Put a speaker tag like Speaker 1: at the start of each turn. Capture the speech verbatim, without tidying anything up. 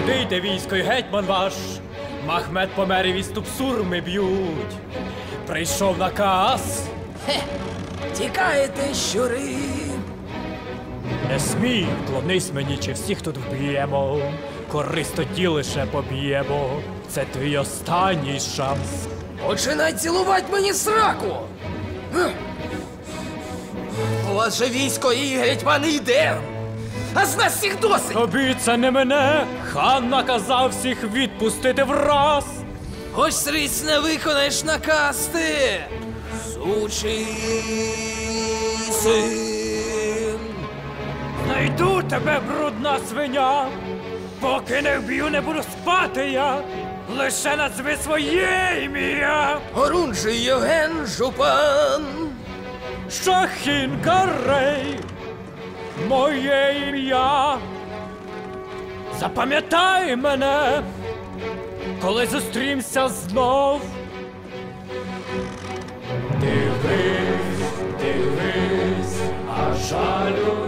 Speaker 1: Туди йде військо й гетьман ваш, Махмед помер і відступ сурми б'ють. Прийшов наказ.
Speaker 2: Хе, тікаєте, щури.
Speaker 1: Не смій, клонись мені, чи всіх тут вб'ємо. Корись тоді лише поб'ємо. Це твій останній шанс.
Speaker 2: Починай цілувати мені сраку. У вас же військо і гетьман йде. А з нас всіх досить.
Speaker 1: Тобі це не мене. Хан наказав всіх відпустити враз.
Speaker 2: Ось сріць не виконаєш наказ ти, сучий син.
Speaker 1: Знайду тебе, брудна свиня. Поки не вб'ю, не буду спати я. Лише назви своє ім'я.
Speaker 2: Орунжий Євген Жупан.
Speaker 1: Шахін Карей, моє ім'я. Запам'ятай мене, коли зустрімся знов. Дивись, дивись, а жалю